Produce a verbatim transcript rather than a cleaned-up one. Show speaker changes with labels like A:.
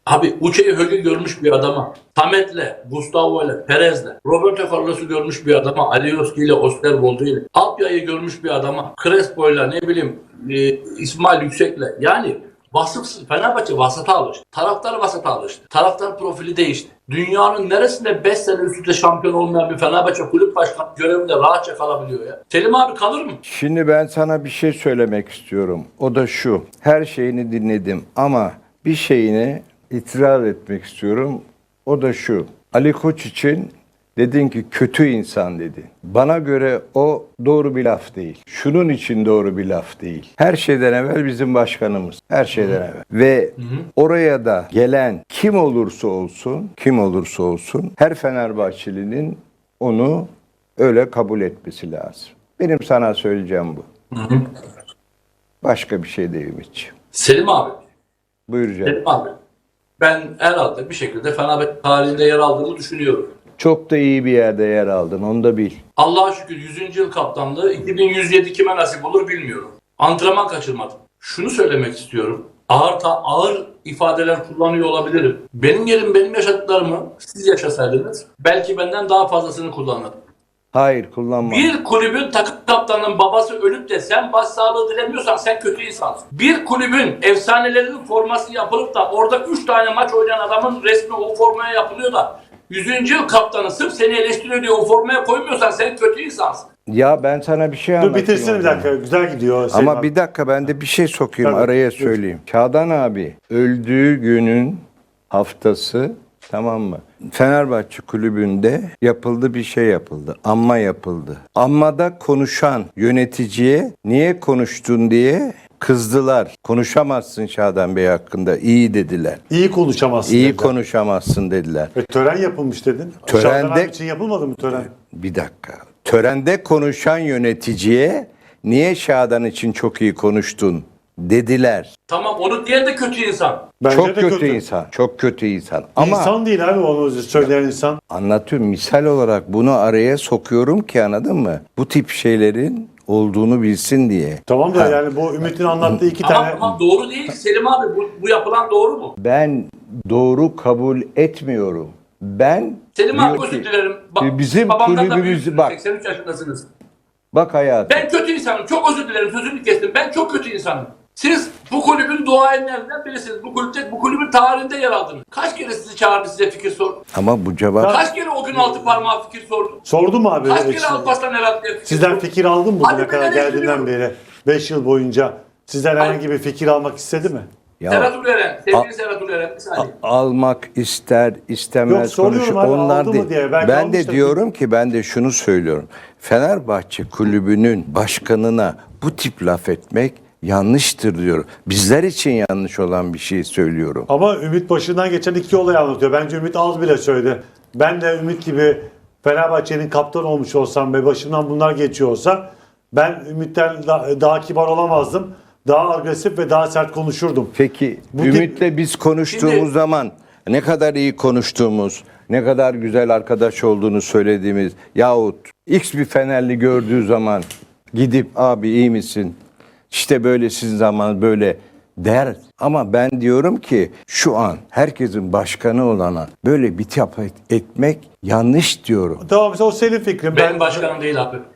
A: Abi Uçe'yi Hög'ü görmüş bir adama, Samet'le, Gustavo'yla, Perez'le, Roberto Carlos'u görmüş bir adama, Alioski ile, Osterwolde ile, Apya'yı görmüş bir adama, Crespo'yla, ne bileyim e, İsmail Yüksek'le. Yani vasıfsız Fenerbahçe vasata alıştı. Taraftar vasata alıştı. Taraftar profili değişti. Dünyanın neresinde beş sene üst üste şampiyon olmayan bir Fenerbahçe kulüp başkanı görevinde rahatça kalabiliyor ya? Selim abi kalır mı?
B: Şimdi ben sana bir şey söylemek istiyorum. O da şu. Her şeyini dinledim ama bir şeyini itiraz etmek istiyorum. O da şu. Ali Koç için dedin ki kötü insan dedi. Bana göre o doğru bir laf değil. Şunun için doğru bir laf değil. Her şeyden evvel bizim başkanımız. Her şeyden hı. evvel. Ve hı hı. oraya da gelen kim olursa olsun, kim olursa olsun her Fenerbahçelinin onu öyle kabul etmesi lazım. Benim sana söyleyeceğim bu. Hı hı. Başka bir şey değil Ümitciğim.
A: Selim abi.
B: Buyur canım.
A: Selim abi. Ben herhalde bir şekilde Fenerbahçe tarihinde yer aldığımı düşünüyorum.
B: Çok da iyi bir yerde yer aldın, onu da bil.
A: Allah'a şükür yüzüncü yıl kaptanlığı iki bin yüz yedi kime nasip olur bilmiyorum. Antrenman kaçırmadım. Şunu söylemek istiyorum. Ağır ta ağır ifadeler kullanıyor olabilirim. Benim yerim benim yaşadıklarımı siz yaşasaydınız belki benden daha fazlasını kullanırdım.
B: Hayır, kullanma.
A: Bir kulübün takım kaptanının babası ölüp de sen başsağlığı dilemiyorsan sen kötü insansın. Bir kulübün efsanelerinin forması yapılıp da orada üç tane maç oynayan adamın resmi o formaya yapılıyor da yüzüncü yıl kaptanı sırf seni eleştiriyor diye o formaya koymuyorsan sen kötü insansın.
B: Ya ben sana bir şey anlatayım.
C: Dur bitirsin bir dakika. Güzel gidiyor.
B: Ama
C: abi.
B: bir dakika ben de bir şey sokayım
C: Tabii,
B: araya
C: lütfen.
B: söyleyeyim. Çağdan abi öldüğü günün haftası, tamam mı? Fenerbahçe kulübünde yapıldı bir şey yapıldı. Anma yapıldı. Anmada konuşan yöneticiye niye konuştun diye kızdılar. Konuşamazsın Şadan Bey hakkında. İyi dediler.
C: İyi konuşamazsın
B: İyi
C: dediler.
B: konuşamazsın dediler.
C: Ve tören yapılmış dedin.
B: Törende-
C: Şadan abi için yapılmadı mı tören?
B: Bir dakika. Törende konuşan yöneticiye niye Şadan için çok iyi konuştun dediler.
A: Tamam onu diyen de kötü insan.
C: Bence
B: Çok
C: de
B: kötü, insan. Çok kötü insan. Ama
C: İnsan değil abi onu söyleyen insan.
B: anlatıyorum. Misal olarak bunu araya sokuyorum ki anladın mı? Bu tip şeylerin olduğunu bilsin diye.
C: Tamam da
B: Ha.
C: yani bu Ümit'in anlattığı iki
A: Ama,
C: tane...
A: ama doğru değil ki Selim abi bu, bu yapılan doğru mu?
B: Ben doğru kabul etmiyorum. Ben
A: Selim
B: diyor
A: abi
B: ki,
A: özür dilerim. Ba-
B: bizim
A: babamdan da
B: kulübümüzü
A: büyüksünüz,
B: bak.
A: seksen üç yaşındasınız.
B: Bak hayatım.
A: Ben kötü insanım. Çok özür dilerim. Sözünü kestim. Ben çok kötü insanım. Siz bu kulübün duayenlerinden birisiniz. Bu kulüpte, bu kulübün tarihinde yer aldınız. Kaç kere sizi çağırdı, size fikir sordu?
B: Ama bu cevap
A: Kaç kere o gün altı parmağı fikir sordu?
C: Sordu mu abi?
A: Kaç kere
C: Siz-
A: Alparslan Eratlı'ya fikir
C: Sizden
A: sordu?
C: fikir aldın mı
A: Hadi
C: bugüne
A: ben
C: kadar geldiğinden
A: eleştiriyorum.
C: beri? beş yıl boyunca sizden herhangi bir fikir almak istedi mi?
B: ya,
A: Serhat Uleren, sevgili
B: A-
A: Serhat Uleren. Bir saniye.
B: almak ister istemez
C: Yok, soruyorum
B: konuşur.
C: abi,
B: Onlar
C: aldı mı
B: değil.
C: diye. Belki
B: Ben de
C: almıştır.
B: diyorum ki ben de şunu söylüyorum. Fenerbahçe kulübünün başkanına bu tip laf etmek yanlıştır diyorum. Bizler için yanlış olan bir şey söylüyorum.
C: Ama Ümit başından geçen iki olayı anlatıyor. Bence Ümit az bile söyledi. Ben de Ümit gibi Fenerbahçe'nin kaptan olmuş olsam ve başımdan bunlar geçiyor olsa ben Ümit'ten da- daha kibar olamazdım. Daha agresif ve daha sert konuşurdum.
B: Peki
C: Bu tip-
B: Ümit'le biz konuştuğumuz
A: Şimdi-
B: zaman ne kadar iyi konuştuğumuz, ne kadar güzel arkadaş olduğunu söylediğimiz yahut X bir Fenerli gördüğü zaman gidip abi iyi misin? İşte böyle sizin zaman böyle der. Ama ben diyorum ki şu an herkesin başkanı olana böyle bir tap et- etmek yanlış diyorum.
C: Tamam, o senin fikrin.
A: Benim
C: Ben
A: başkanım değil abi.